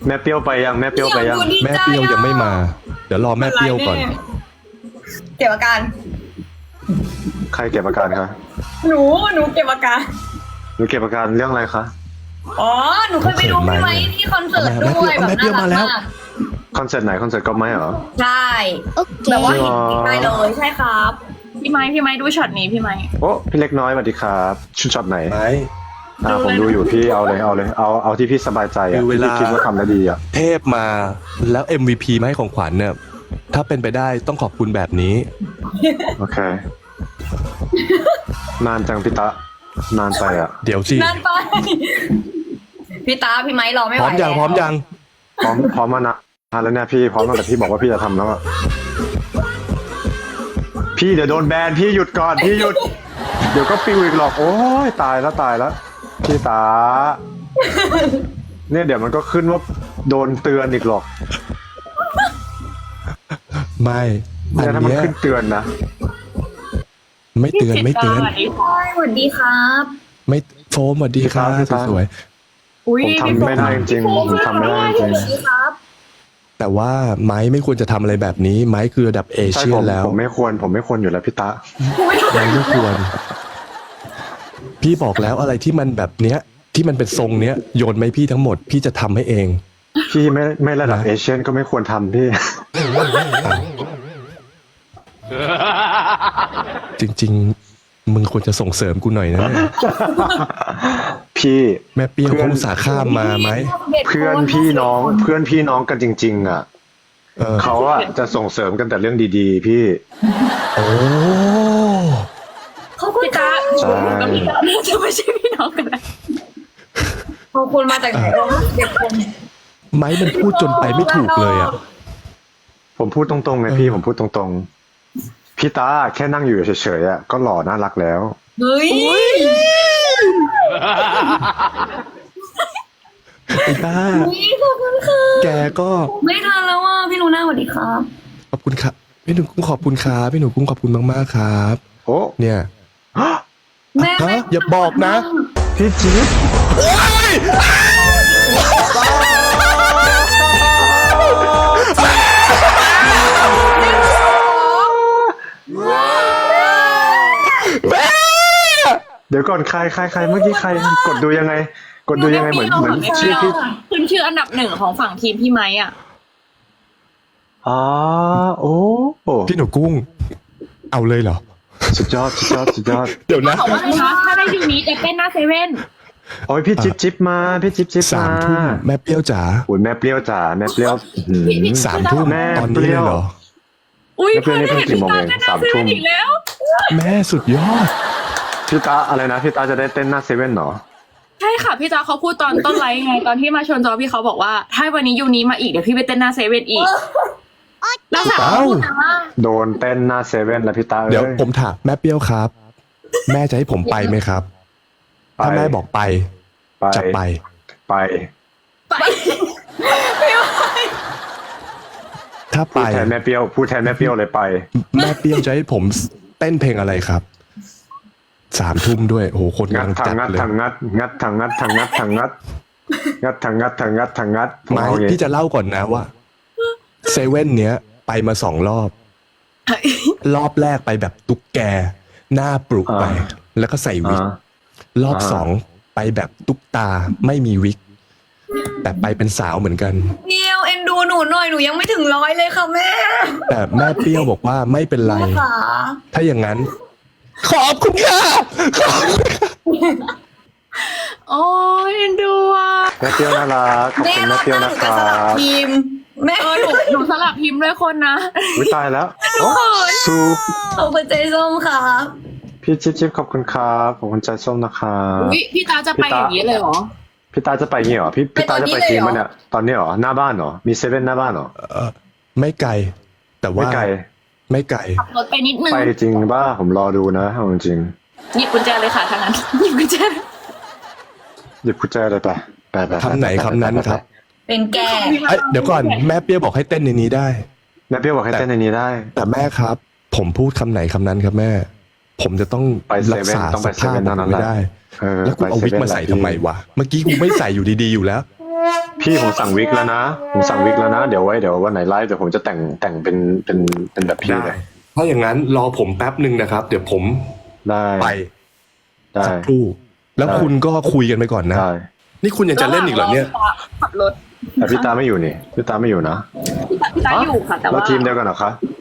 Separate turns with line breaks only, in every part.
แม่เปรี้ยวไปยังแม่เปรี้ยวไปยัง
แม่เปรี้ยวยังไม่มา เดี๋ยวรอแม่เปรี้ยวก่อน
เก็บอาการ
ใครเก็บอาการคะ
หนูเก็บอาการ
หนูเก็บอาการเรื่องอะไรคะ
อ๋อ หนูเคยไปดูพี่ไม้ที่คอนเสิร์ตด้วยแบบน่ารักมาก
คอนเสิร์ตไหนคอนเสิร์ตก็ไม่เหรอ
ใช่แบบว่าเห็นไปเลยใช่ครับ
พี่ไม้ดูช็อตนี้พี่ไม้
โอ้พี่เล็กน้อยสวัสดีครับชุดช็อตไหน
ไหม
ผมดูอยู่พี่เอาเลยเอาที่พี่สบายใจอ่ะ
คือเวลา
ที่คิดว่าทำได้ดีอ่ะ
เทพมาแล้ว MVP มาให้ของขวัญเนี่ย ถ้าเป็นไปได้ต้องขอบคุณแบบนี้
โอเค นานจังพี่ตะนานไปอ่ะ
เดี๋ยวสิ
นั่นไป พี่ตาพี่ไม้รอไม่ไห
พ
ว
ร้อมยังพร้อมยัง
พร้อมมานานแล้วเนี่ยพี่พร้อมตั้งแต่พี่บอกว่าพี่จะทำแล้วอ่ะพี่เดี๋ยวโดนแบนพี่หยุดก่อนพี่หยุด เดี๋ยวก็ปิวอีกหรอกโอ้ยตายแล้วพี่ตาเนี่ยเดี๋ยวมันก็ขึ้นว่าโดนเตือนอีกหรอก
ไม่อั
เนี่ย
น
ถ้ามัน
เนี้ย
ขึ้นเตือนนะ
ไม่เตือนไม่เตือน
สวัสดีค่ะ
สวัสดีครับ
ไม่โฟมสวัสดีค่ะ
พี่ตา
สวย
อุ้ย
ผมทำไม่ได้จริงๆผมทำไม่ได้จริง
สวัสดีครับ
ๆแต่ว่าไม้ไม่ควรจะทำอะไรแบบนี้ ไม้คือระดับเอ
ใช่
เชีย
ผม
แล้ว
ผมไม่ควรอยู่แล้วพี่ตา
ไม้ไม่ควร พี่บอกแล้วอะไรที่มันแบบเนี้ย ที่มันเป็นทรงเนี้ยโยนไหมพี่ทั้งหมดพี่จะทำให้เอง
พี่ไม่ระดับเอเชียนก็ไม่ควรทำพี่
จริง ๆ มึงควรจะส่งเสริมกูหน่อยนะเนี่ย
พี่
แม่เปรี้ยวเขาอุตส่าห์ข้ามมาไหม
เพื่อนพี่น้องกันจริง ๆ อ่ะ
เออ
เขาอะจะส่งเสริมกันแต่เรื่องดีๆ พี่
โอ้
เขาคุณ
พี่
ตา
ตา
ใช่
กับพี่ตาน่าจะไม่ใช่พี่น้องกันนะ
ขอบคุณมาจากไหนเด็กคน
ไม้มันพูดจนไปไม่ถูกเลยอ่ะ
ผมพูดตรงๆไงพี่ผมพูดตรงๆพี่ตาแค่นั่งอยู่เฉยๆอะก็หล่อน่ารักแล้ว
เฮ้ย
ไอ้บ้า
ขอบคุณค่ะ
แกก็
ไม่ทันแล้วอ่ะพี่ลูน่าสวัสดีครับ
ขอบคุณครับพี่หนูกุ้งขอบคุณครับพี่หนูกุ้งขอบคุณมากๆครับ
โอ้
เนี่ย
แม่
ฮะอย่าบอกนะ
พี่จิ๊บ เดี๋ยวก่อนใครเมื่อกี้ใครกดดูยังไงเหมือนชื่อพี่
ขึ้นชื่ออันดับหนึ่งของฝั่งทีมพี่ไม้อ่ะ
อ๋อโอ้
พี่หนูกุ้ง เอาเลยเหรอ
สุดยอด
เดี๋ยวนะ
บอกว่าอะไรนะถ้าได้ยูนี้จะเต้นหน้าเซเว่น
โอ้ยพี่จิ๊บมาพี่จิ๊บ
สามทุ่มแม่เปรี้ยวจ๋า
โอ้ยแม่เปรี้ยวจ๋าแม่เปรี้ยวหืม
สามทุ่ม
แม่
ตอนนี้เลยเหรอ
อุ้ย
แล้วเพื่อนนี่เพิ่งกี่โมงเอง
ต้นหน้า
สาม
เซ
ทุ่
เว่
ม
นอีกแล้ว
แม่สุดยอด
พี่ตาอะไรนะพี่ตาจะได้เต้นหน้าเซเว่นเหรอ
ใช่ค่ะพี่จ้าเขาพูดตอนต้นไลฟ์ไงตอนที่มาชวนจอพี่เขาบอกว่าถ้าวันนี้ยูนี้มาอีกเดี๋ยวพี่ไปเต้นหน้าเซเว่นอีกแล้วสาว
เอ้า
พูดนะว่า
โดนเต้นหน้าเซเว่นแล้วพี่ตา
เดี๋ยว
อ้
ผมถามแม่เปรี้ยวครับ แม่จะให้ผมไปไหมครับ ถ้าแม่บอกไป จะไป
ไป
ไป
ถ้า
พู
ไป
ดแทนแม่เปรี้ยวเลยไป
แม่เปรี้ยวจะให้ผมเต้นเพลงอะไรครับ สามทุ่มด้วยโอ้โหคน
งั
กำ
ด
ลัง
ทา
จั
ง
ด
งัด
เลย
ทางงัดงัดทางงัดทางงัดทางงัดงัดทางงัดทางงัดทางงัดผม
ไม่
เอาอย่าง
พี่
งี้
จะเล่าก่อนนะว่าเซเว่นเนี้ย ไปมา2 รอบ รอบแรกไปแบบตุ๊กแก หน้าปลุกไป แล้วก็ใส่วิก รอบ2ไปแบบตุ๊กตาไม่มีวิก แต่ไปเป็นสาวเหมือนกัน
เดียวเอ็นดูหนูหน่อยหนูยังไม่ถึง100เลยค่ะแม่
แต่แม่เปรี้ยวบอกว่าไม่เป็นไร
ค่ะ
ถ้าอย่างนั้น ขอบคุณค่ะขอบคุณค่ะ
โอ้ยเอ็นดูอ่ะ
แม่เปรี้ยวน่ารักขอบ
แม่
คุณ
ร
แม่
อบ
เปรี้
ห
ยว
น้าห
นะ
นู
ค
จะ
รั
สลับบ ทีมแม่
หนูสลับพิมพ์ด้วยคนนะ
วิตายแล้วโอ้ซู
ขอบคุณใจส้มค่ะ
พี่จิ๊บขอบคุณครับขอบคุณใจส้มนะครับ
อุ้ยพี่ตาจะไปอย่างนี้เลยเหรอ
พี่ตาจะไปงี้เหรอพี่ตาจะไปทีมมันเนี่ยตอนนี้เหรอหน้าบ้านเหรอมีเซเว่นหน้าบ้านเหรอ
ไม่ไกล แต่ว่า
ไม่ไกล
ไม่ไกล
ขับรถไปนิดนึง
ไปจริงป่ะผมรอดูนะเอาจริง
หยิบกุญแจเลยค่ะทางนั้นหยิบกุญแจ
หยิบกุญแจเลยไป
คำไหนคำนั้นครับ
เป็นแก
เอ้ยเดี๋ยวก่อนแม่เปรี้ยวบอกให้เต้นในนี้ได้
แม่เปรี้ยวบอกให้เต้นในนี้ได้
แต่แม่ครับ ผมพูดคำไหนคำนั้นครับแม่ ผมจะต้อง
ไปเซ
รัก
เว่น
ษา
ต้อง
ส
ไปเซ
ภาพ
เว่น
ผ
เท่าม นั้นแห
ไม่
ละ
ได้
เออ
แล้วกูเอาวิกมาใส่ทำไมวะ เมื่อกี้กูไม่ใส่อยู่ดีๆอยู่แล้ว
พี่ผมสั่งวิกแล้วนะผมสั่งวิกแล้วนะเดี๋ยววันไหนไลฟ์เดี๋ยวผมจะแต่งเป็นแบบพี่
ได้
เลย
ถ้าอย่างนั้นรอผมแป๊บหนึ่งนะครับ เดี๋ยวผม
ได้
ไป
ได้
สักครู่ แล้วคุณก็คุยกันไปก่อนนะ
ได้
นี่คุณยังจะเล่นอีกเหรอเนี่ย
ขับรถ
แต่พี่ตาไม่อยู่นี่พี่ตาไม่อยู่นะ
พี่ตาอยู่ค่ะ แต่
แล้ว
ว่า
ทีมเดียวกันเหรอคะ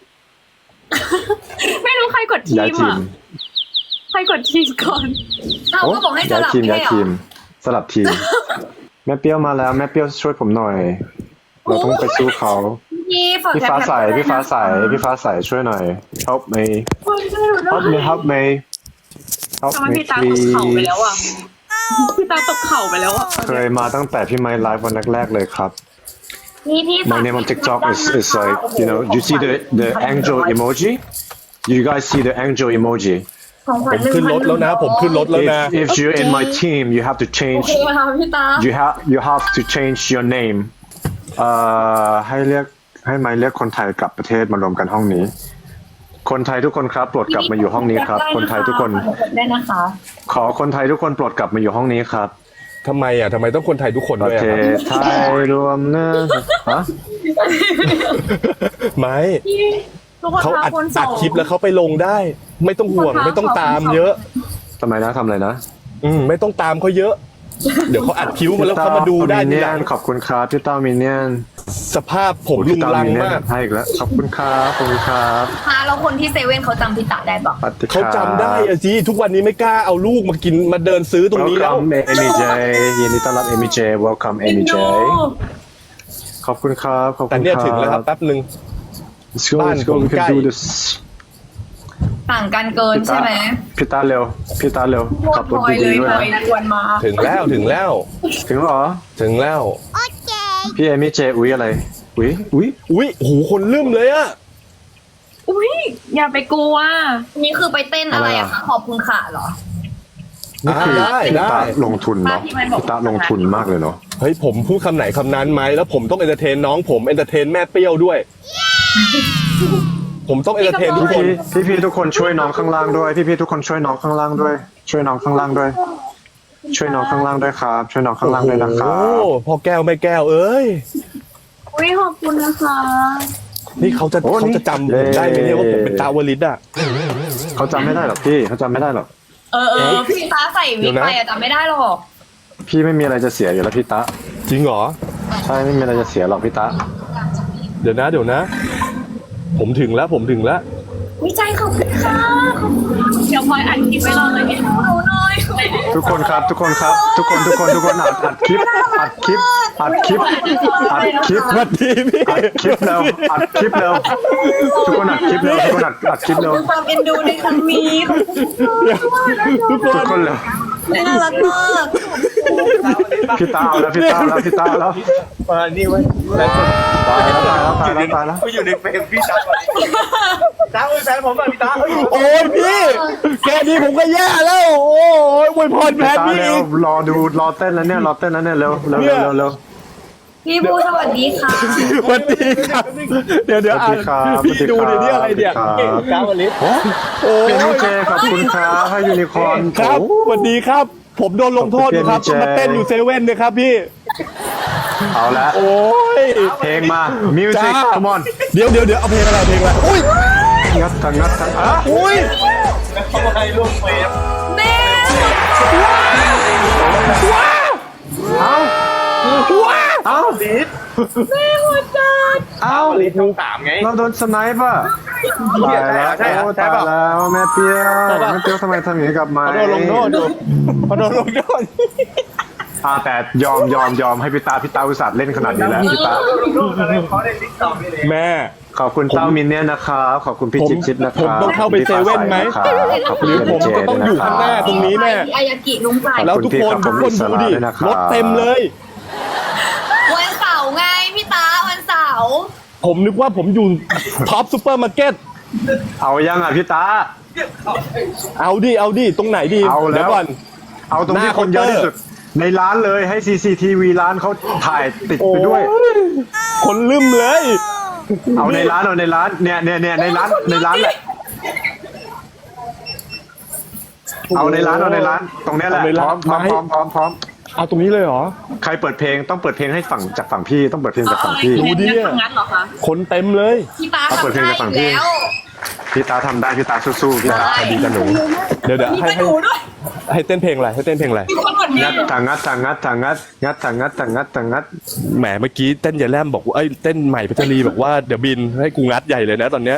ไม่รู้ใครกดที
ย้าย
ม
ทีม
อ่ะใครกดทีมก่อน
เราก็บอกให้ส
ย้าย
ลับ
ทีม
ไม่
ย้าย
ใช่เหร
ที
อ
มสลับทีม แม่เปรี้ยวมาแล้วแม่เปรี้ยวช่วยผมหน่อย เราต้องไปสู้เขา
พี่ฝาก
พี่ฟ้าใสพี่ฟ้าใสพี่ฟ้าใสช่วยหน่อย help me help me help me help
ทำไม
me
พี่ตาตกเข่าไปแล้วอ่ะ พี่ตาตกเข่าไปแล้วอ่ะ
เคยมาตั้งแต่พี่ไมค์ไลฟ์วันแรกๆเลยครับ
พี่
My name on TikTok is like, you know, you see the angel emoji? You guys see the angel emoji?
ของขวั
ผ
ญ
มขึ้นรถแล้วนะ ผมขึ้นรถแล้วนะ
If you're in my team, you have to
โอ
change.
เคค่ะพี่ตา
You have to change your name. ให้ไมค์เรียกคนไทยกลับประเทศมารวมกันห้องนี้ คนไทยทุกคนครับโปรดกลับมาอยู่ห้องนี้ครับ คนไทยทุกคน
ได้นะคะ
ขอคนไทยทุกคนโปรดกลับมาอยู่ห้องนี้ครับ
ทำไมอ่ะทำไมต้องคนไทยทุกคน
ป
ด้
ระ
วย
เท
อะครับ
ศไทยรวมนะฮะ
ไม่
ทุกคน
เขา
พา
อัด
คนส
อั
อ
ด
ง
คลิปแล้วเขาไปลงได้ ไม่ต้องห่วงไม่ต้องตามเยอะ
ทำไมนะทำอะไรนะ
ไม่ต้องตามเขาเยอะ เดี๋ยวเขาอัดคิ้วมาแล้วเขามาดูได้ทีหลัง
ขอบคุณครับพี่ต้ามินเนี่ยน
สภาพผมลุงลังมาก
ให้อีกแล้วขอบคุณครับขอบคุณครับ
ค่ะแล้วคนที่เซเว่นเขาจำพี่ตาได้ปะ
ปฏิ
เขาจำได้อะจีทุกวันนี้ไม่กล้าเอาลูกมากินมาเดินซื้อตรงนี้แล้ว
Welcome Amy J ยินดีต้อนรับ Amy J Welcome Amy J ขอบคุณครับขอบคุณครับ
แต่เนี่ยถึงแล้วครับแป๊บหนึ่ง
Let's go
บ้าน
let's go
ผม
we
ใกล้
can do this
ต่างกันเกินใช่ไหม
พี่ตาเร็วพี่ตาเร็วขับรถ
พลอยเล
ดี
ย
ๆด้วย
พลอย
นะ
ชวนมา
ถึงแล้วถึงแล้ว
ถึงแล้วเหรอ
ถึงแล้ว
พี่ Amy J อุ้ยอะไรอุ้ย
อุ้ยโหคนลืมเลยอะ
อุ้ยอย่าไปกลัว
นี่คือไปเต้นอะไรอะคะขอบคุณค่ะเหรอ
นี่คือ
ได้
พี่
ได้
ตาลงทุนเนาะ
พี่มันบอก
พี่ตาลงทุนมากเลยเนาะ
เฮ้ยผมพูดคำไหนคำนั้นไหมแล้วผมต้องเอนเตอร์เทนน้องผมเอนเตอร์เทนแม่เปรี้ยวด้วย ผมต้องเอนเตอร์เทนทุกคน
พี่ทุกคนช่วยน้องข้างล่างด้วยพี่ทุกคนช่วยน้องข้างล่างด้วย ช่วยน้องข้างล่างด้วย ช่วยน้องข้างล่างด้วยครับ ช่วยน้องข้างล่างด้วยนะครั
โอ้
บ
พ่อแก้วแม่แก้วเอ้ย
อุ้ยขอบคุณนะคะ
นี่เขาจะจำผมได้ไหมเนี่ยว่าผมเป็นตาวลิตอ่ะ
เขาจำไม่ได้หรอกพี่เขาจำไม่ได้หรอก
พี่ตาใส่วิกไปอะจำไม่ได้หรอก
พี่ไม่มีอะไรจะเสียอยู่แล้วพี่ตะ
จริงเหรอ
ใช่ไม่มีอะไรจะเสียหรอกพี่ตะ
เดี๋ยวนะ ผมถึงแล้ว
วิจัยขอบคุณค่ะขอบคุณ
เดี๋ยวพลอยอัดคลิปไว้รอเลยเนี่ย
หนูหน่อย
ทุกคนครับทุกคนครับ ทุกคนอัดคลิปอัดคลิปอัดคลิปอัดคลิป
สวัสดีพี่
อัดคลิปเร็วอัดคลิปเร็วทุกคนอัดคลิปเร็วทุกคนอัดคลิปเร็ว
ความเอ็นดูในครั้งนี้ขอบคุณ
ทุกค
ทุก
น
คนเร็ว
น่ารักมาก
พี่ตาเอาแล้วพี่ตาแล้วพี่ตาแล้ว
มานี่ไว้แล้วคน
ตายแล้ว
เขาอยู่ในเฟรมพี่ตาก่อนตาเป็นแฟนผมป่ะพี่ตาเฮ้ย
โอ้ยพี่แค่นี้ผมก็แย่แล้ว โอ้ยอวยพรแท
พี่
น
ตา
พี่
เร็
อี
ว
ก
รอเต้นแล้วเนี่ยเร็วเร็ว
พี่บูสวัสดีค่ะ
สวัสดีครับ เดี๋ยวอ่านพี่ดูเดี๋ยวนี้อะไรเนี่ยเก่ง
ตาวันนี้
โอ้
เป็น
ย
เจขอบคุณครับให้ยูนิคอร์น
ครับสวัสดีครับ ผมโดนลงโทษอยู่ครับต้องมาเต้นอยู่เซเว่นเนี่ยครับพี่
เอาละ
โอ้ย
เพลงมา มิวสิก
จ้า
คอมอน
เดี๋ยวเอาเพลงอะไรอุ้ย
งัดทั้งอ่ะ
อุ้ย
เขาให้ร่วมเฟรม
แม่
เอา
ลิส
เอา
ลิสนุ่งสามไง
เราโดนสไนป์ป่ะตายแล้ว
ใช่เหรอ
ตายแล้วแม่เปียวทำไมทำอย่างนี้กับไม้
พอโดนลงโทษอยู่พอโดนลงโทษ
แต่ยอมให้พี่ตาอุตส่าห์เล่นขนาดนี้แล้วพี่ตา
เขาได้ติ๊กต็อกนี่เลย
แม่
ขอบคุณเต้ามินเนี่ยนะครับขอบคุณพี่จิ๊บนะครับ
ผมต้องเข้าไปเซเว่นไหม
ขอบคุณ
หรือผมจะต้องอยู่ข้างหน้าตรงนี้แม่
อายากิลุงไก่
แล้วทุกคนดูดิรถเต็มเลย
วันเสาร์ไงพี่ตาวันเสาร์
ผมนึกว่าผมอยู่ท็อปซูเปอร์มาร์เก็ต
เอายังอ่ะพี่ตา
เอาดิตรงไหนดี
เอาแล้ว
เดี๋ยวก่อน
เอาตรงที่คนเยอะที่สุดในร้านเลยให้ CCTV ร้านเขาถ่ายติดไปด้วย
โอ้คนลืมเลย
เอาในร้านเนี่ยในร้านแหละเอาในร้านตรงเนี้ยแหละพร้อม
เอาตรงนี้เลยเหรอ
ใครเปิดเพลงต้องเปิดเพลงให้ฝั่งจากฝั่งพี่ต้องเปิดเพลงจากฝั่งพี่
ดูดิ
งั้นเหรอคะ
คนเต็มเลย
พี่ตา
เอาเปิดเพลงจากฝั่งพี่
แล้ว
พี่ตาทำได้พี่ตาสู้ๆพี่ตา
ดีกันหนูเดี๋ยว
มี
ให้
กระดูด้วย
ให้เต้นเพลงอะไรให้เต้นเพลงอะไร
มีคนกดเม
งัด
ย์
ทางงัดทางงัดทางงัดงัดทางงัดทางงัดทางงัด
แหมเมื่อกี้เต้นยายแลมบอกว่าเอ้ยเต้นใหม่พัชรีบอกว่าเดี๋ยวบินให้กูงัดใหญ่เลยนะตอนเนี้ย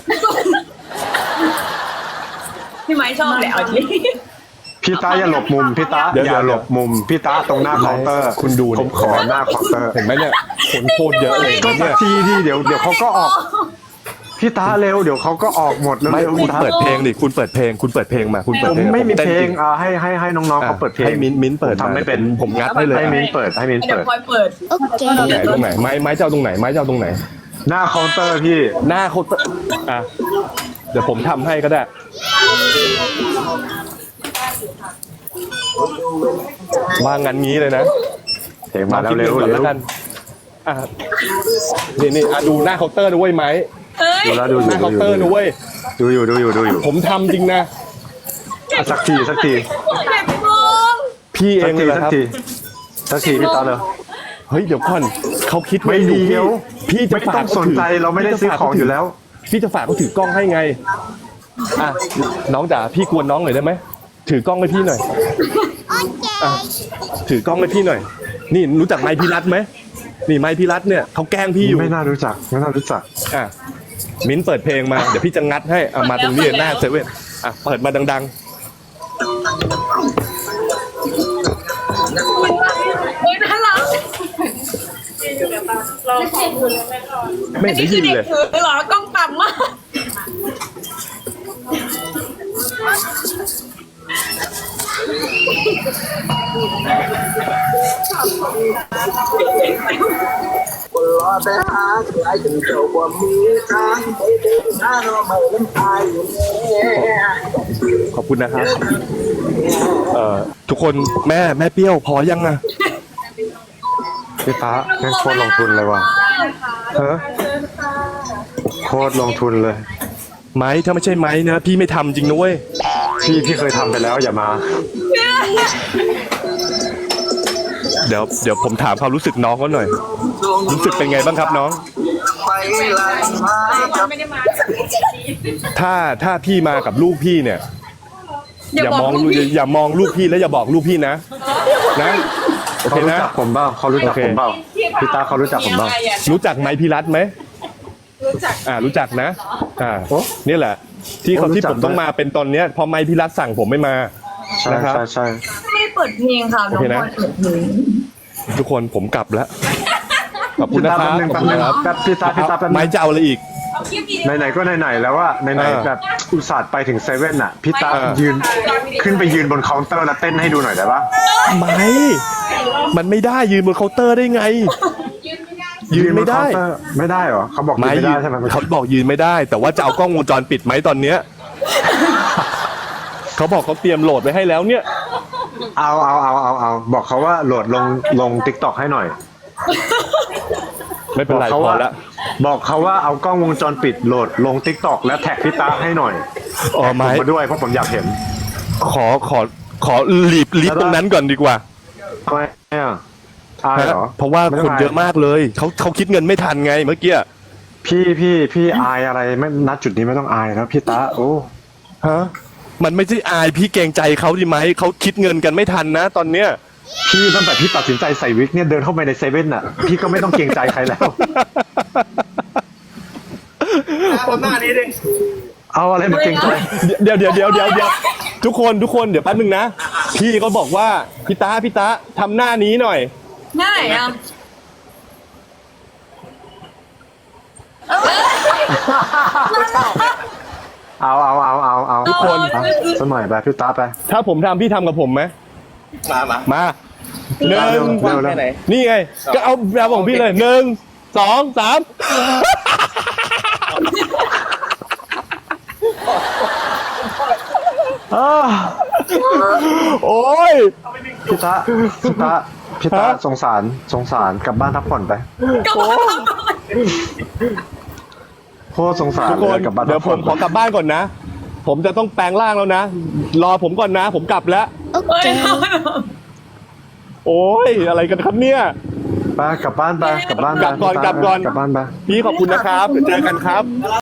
พี่ไม้ชอบแหละเอาจริง
พี่ตาอย่าหลบมุมพี่ตาอย่าหลบมุมพี่ตาตรงหน้าเคาน์เตอร์
คุณดู
ผมขอหน้าเคาน์เตอร์
เห็นไหมเนี่ยคนโคตรเยอะเลย
ก็สั
เนี่
ก
ย
ทีที่เดี๋ยวเขาก็ออกพี่ตาเร็วเดี๋ยวเขาก็ออกหมดแล้ว
ไม่
เร็ว
คุณ
พี่ตา
เปิดเพลงดิคุณเปิดเพลงคุณเปิดเพลงมาคุณเปิด
ผม
เพลง
ไม่มี
ต้น
เพลง
จริ
ให้น้องๆเขาเปิดเพลง
ให้มิ้นเปิด
ผมทำไม่เป็น
ผมงัดให้เลย
ให้มิ้นเปิดให้มิ้น
เดี๋ยว
เปิด
คอยเปิด
ตรงไหนไม้เจ้าตรงไหนไม้เจ้าตรงไหน
หน้าเคาน์เตอร์พี่
หน้าเขาอ่ะเดี๋ยวผมทำให้ก็ได้ว่างั้นงี้เลยนะ
เพลงมาแล้ว
คิด
เร็ว
ก่อน
เร็
แล้ว วกันอ่ะนี่อ่ะดูหน้าเคาน์เตอร์ด้วยไหม
เฮ้ย
ดูแล้วดูอ
ห
ยู่
น้าเคาน์เตอร์ด้วย
ดูอยู่
ผมทำจริงนะ
อ่ะสักที
เจ็บมือ
พี่เอ
สั
ง
ก
เล
ที
ยนะครับ
สักทีพี่ตาเลย
เฮ้ยเดี๋ยวก่อนเขาคิด
ไม่
อยู่
เดียว
พี่จะ
ไม่
ฝา
ต้
ก
องสนใจเราไม่ได้ซื้อของอยู่แล้ว
พี่จะฝากเขาถือกล้องให้ไงอ่ะน้องจ๋าพี่กวนน้องหน่อยได้ไหมถือกล้องให้พี่หน่อยอ่ะถือกล้องให้พี่หน่อย นี่รู้จักไมค์พิรัตไหมนี่ไมค์พิรัตเนี่ยเขาแกล้งพี่อยู่
ไม่น่ารู้จัก
อ่ะมิ้นเปิดเพลงมาเดี๋ยวพี่จะงัดให้อ่ะมาตรงนี้หน้าเซเว่นอ่ะเปิดมาดัง
เฮ้ยน่ารัก
ๆไม่เห็นได้ยิน
เด็ก
เลย
ถือเหรอกล้องต่ำมาก
คนรอแต่หาใครถึงเจ้าบ่มีทางไปเดินหาเราไม่ลำพายอยู่แน่
ขอบคุณนะครับทุกคนแม่เปรี้ยวพอยังอ่ะ
พี่ตาแม่งโคตรลงทุนเลยว่ะโคตรลงทุนเลย
ไม้ถ้าไม่ใช่ไม้นะพี่ไม่ทำจริงนะเว้ย
พี่เคยทำไปแล้วอย่ามา
เดี๋ยวผมถามความรู้สึกน้องเขาหน่อย รู้สึกเป็นไงบ้างครับน้อง
ไปไล่มากับ
ถ้าพี่มากับลูกพี่เนี่ย อย่ามองลูกพี่แล้วอย่าบอกลูกพี่นะโอเค
เขารู้
นะ
จักผมเปล่าเขารู้จักผมเปล่าพี่ตาเขารู้จักผมเปล่า
รู้จักไม้พิรัตไหมรู้จักนะนี่แหละ ที่เขาที่ผมต้องมาเป็นตอนเนี้ยพอไม้พิรัตสั่งผมไม่มา
ใช่
นะครับ
ใช่
ไม่ได้เปิดเพลงค่ะน้อง
โอเค
บ
นะ
อลเปิดเพลง
ทุกคนผมกลับแล้วขอบคุณ
พี่
นะ
ตา
ครับ
แป๊บนึง
ขอบ
แป๊บ
คุณ
นึง
นะครับ
แป๊บพี่ตาแป๊บนึง
ไม้จะเอาอะไรอีก
ไหนๆก็ไหนๆแล้วว่าไหนๆแบบอุตส่าห์ไปถึงเซเว่นอ่ะพี่ตายืนขึ้นไปยืนบนเคาน์เตอร์แล้วเต้นให้ดูหน่อยได้ปะ
ไม่มันไม่ได้ยืนบนเคาน์เตอร์ได้ไง ยืนไม่ได้
บเคาน์เตอร์ไม่ได้เหรอเขาบอกยืนไม่ได้ใช่ไหม
เขาบอกยืนไม่ได้ แต่ว่าจะเอากล้องวงจรปิดไหมตอนเนี้ย เขาบอกเขาเตรียมโหลดไว้ให้แล้วเนี่ย
เอาบอกเขาว่าโหลดลงติ๊กต็อกให้หน่อย
ไม่เป็นไร
เขา
พอ
ว่า
ละ
บอกเขาว่าเอากล้องวงจรปิดโหลดลงติ๊กต็อกและแท็กพี่ตาให้หน่อย
อ๋อ
ผม
ไม้
มาด้วยเพราะผมอยากเห็น
ขอรีบตรงนั้นก่อนดีกว่า
ทำไมอ่ะอายเหรอ
เพราะว่าคนเยอะมากเลยเขาคิดเงินไม่ทันไงเมื่อกี้
พี่อายอะไรไม่นัดจุดนี้ไม่ต้องอายแล้วพี่ตาโอ้
ฮะมันไม่ใช่อายพี่เกรงใจเขาดีไหมเขาคิดเงินกันไม่ทันนะตอนเนี้ย
พี่ตั้งแต่พี่ตัดสินใจใส่วิกเนี่ยเดินเข้าไปในเซเว่นอ่ะพี่ก็ไม่ต้องเกรงใจใครแล้ว
คนหน้านี้ดิ
เอาอะไรมาเกรงใจ
เดี๋ยวทุกคนเดี๋ยวแป๊บนึงนะพี่ก็บอกว่าพี่ตาทำหน้านี้หน่อย
ง่ายอ่ะ
เอา
ทุกคน
สมัยไปพี่ตาไป
ถ้าผมทำพี่ทำกับผมไหม มาหนึ่ง
เร็วๆ
นี่ไง ก็เอาแบบของพี่เลย1 2 3โอ้ย
พี่ตาสงสารกลับบ้านพักผ่อนไป
ก็มาทำก่อน
โคตรสงสาร
ทุกคน
เลยกลับบ้าน
เดี๋ยวผมขอกลับบ้านก่อนนะ ผมจะต้องแปลงร่างแล้วนะ รอผมก่อนนะ ผมกลับแล้ว
เฮ้ย
โอ้ยอะไรกันครับเนี่ย
ไปกลับบ้านไปกลับบ้านไป
กลับก่อน
กลับบ้านไป
พี่ขอบคุณนะครับเจอกันครับ